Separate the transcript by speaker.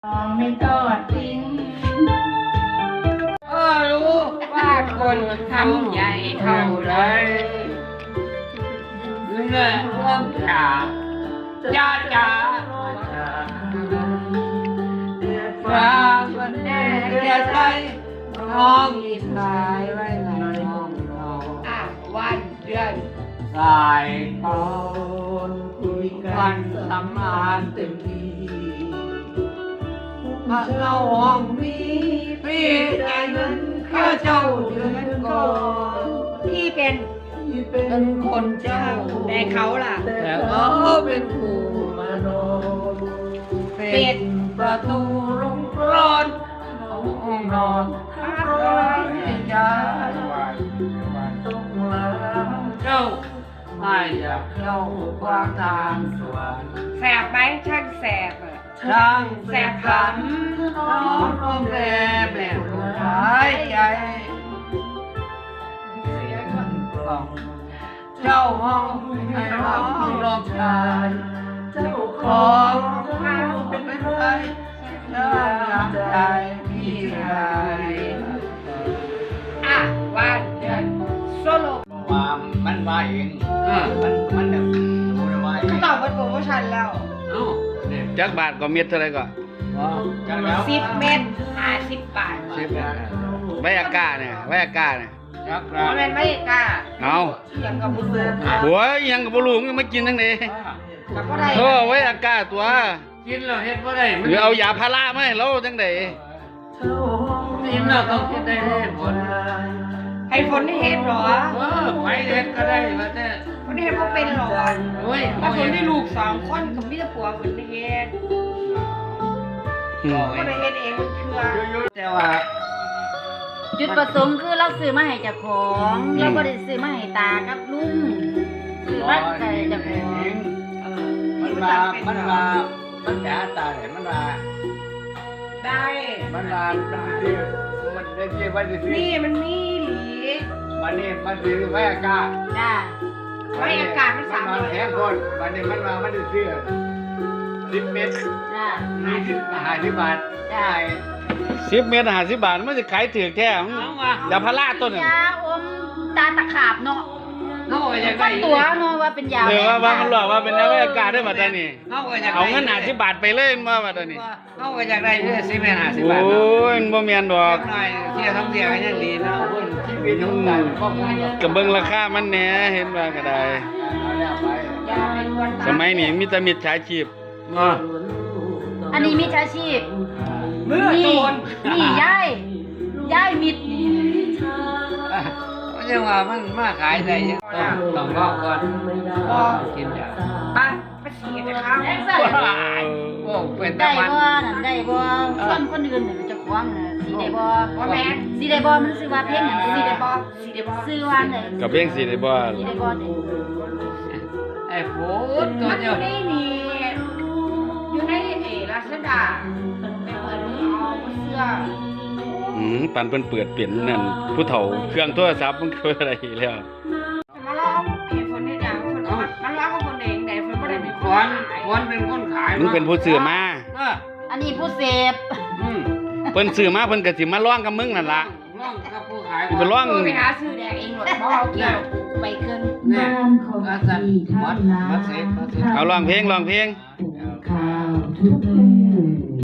Speaker 1: ไม่ทอดทิ้งรู้ว่าคนทำใหญ่เท่าไรเงื่อนร่มจ้าจ้าฟ้ามันแน่เรียใจน้องมีสายไว้ในห้องเราวันเดือนสายตอนคุยกันสำราญเต็มที่ถ้าเราห้องนี้พี่ใจเงินข้าเจ้าเดือนก่อนพี่เป็นคนเจ้าแต่เขาล่ะแต่เขาเป็นผู้มานอนปิดประตูลงร้อนห้องนอนร้อนใจต้องลาเจ้าไม่อยากเข้ากว้างทางสวรรค์แสบไหมช่างแสบช่างแสบขำน้องร้องแร่แบบหายใจเสียงกล่องเจ้าห้องให้ร้องร้องชายเจ้าของห้องเป็นใครเจ้าอยากใจพี่ชายวันเดือนโซโล่ว่ามันว่าเองมันแบบรู้เลยว่าเขาตอบเป็นโปรโมชั่นแล้ว
Speaker 2: จักบาทก็เม็ดเท่าไรก็
Speaker 1: 10 เม็ด50 บาท
Speaker 2: ไว้อากาศเนี่ย
Speaker 1: มันเป็นไม่กล้า
Speaker 2: เอา
Speaker 1: ยังกับบุรุษ
Speaker 2: หัวยังกับบุรุษยังไม่กินทั้งนี้ไว้อากาศตัว
Speaker 3: กินแล้วเฮ็ดบ่ได้
Speaker 2: หรือเอายาพาราไหมเราจังได
Speaker 3: กินแล้วต้องเฮ็ดได้ผล
Speaker 1: ให้ฝนเฮ็ดหรอ
Speaker 3: ไปเฮ็ดก็ได้ว่าแต่
Speaker 1: ฝนเฮ็ดบ่เป็นหรอ
Speaker 3: โอ้ย
Speaker 1: ถ้าฝนได้ลูก2คนกับมีแต่ผัวฝนเฮ็ดก็ได้เฮ็ดเองมันเชื่อ
Speaker 3: แต่ว่า
Speaker 4: จุดประสงค์คือเราซื้อมาให้เจ้าของเราบ่ได้ซื้อมาให้ตากับลุงซื้อมาให้เจ้าของ
Speaker 3: มันแต่ตาเนี่ยมันว่า
Speaker 1: ได้
Speaker 3: มันว่ามันได้ที่ว่าสิ
Speaker 1: นี่มันมีหลี
Speaker 3: มันนี่มันสิไว้อากาศ
Speaker 4: จ้า
Speaker 1: ไว้อากาศมัน
Speaker 3: 3แถมคนมันนี่มันว่ามันสิซื้อ10 เม็ด
Speaker 4: จ้า
Speaker 3: 50 บาท
Speaker 4: จ้า
Speaker 2: 10 เม็ด50 บาทมันจะขายถือแท้ยาพาราต้น
Speaker 4: ยาอมตาตะขาบเนาะ
Speaker 3: เฮาก็อยากได้
Speaker 4: ตัวเนาะว่าเป็นยา
Speaker 2: ว่ามันหลอกว่าเป็นยาไว้อากาศได้บัดนี้
Speaker 3: เฮาก็อยาก
Speaker 2: เอาเงิน50 บาทไปเลยมาบัดนี้
Speaker 3: เฮาก็อยากได้10 เม็ด50 บาท
Speaker 2: โอ้ยบ่แม่นดอก
Speaker 3: หน่อยเที่ยวท่องเที่ยวยังดีเนาะเพิ่นชีวิตของได้ครอบครัว
Speaker 2: ก็เบิ่งราคามันแหน่เห็นว่าก็ได้สมัยนี้มีแต่มิจฉาชีพ
Speaker 4: อันนี้มิจฉาชีพนี่ย้ายมิด
Speaker 3: ยังว่ามันมาขายได้ยังต้องรอก่อนกินยา
Speaker 1: ไปฉีดนะครับ
Speaker 3: โอ้เป็น
Speaker 4: ได้บ่นั่นได้บ่คนอื่นเนี่ยจะควงน่ะสิได้บ่
Speaker 1: แม่
Speaker 4: สิได้บ่มันชื่อว่าเพลงหยังสิได้บ่ชื่อว่าไหน
Speaker 2: กับเพลงสิได้บ่
Speaker 4: สิได้บ่
Speaker 3: ไอ้โฟตัวเดียว
Speaker 1: นี่อยู่ในลาซาด้าไปเปิดเอาเสื้อ
Speaker 2: ปันเพิ่นเปิดเปลี่ยนนั่นผู้เฒ่าเครื่องโทรศัพท์มันคืออะไรแล้ว
Speaker 1: มาลองคนนี้อย่างคนมันร้องกับคนเองแต่คนไม่ได้เป็น
Speaker 3: คนเป็นคนขาย
Speaker 2: มึงเป็นผู้ซื้อมา
Speaker 4: อันนี้ผู้เสพ
Speaker 2: เพิ่นซื้อมาเพิ่นก็สิมาร้องกับมึงนั่นล่ะ
Speaker 3: ร้องกับผู้ขาย
Speaker 2: ไปร้อง
Speaker 1: ไปหาซื้อแดกเองหมดบ่เอาเกี่ยวไปเกิน
Speaker 3: บ้านของพี่วัดเสพ
Speaker 2: เอาร้องเพลง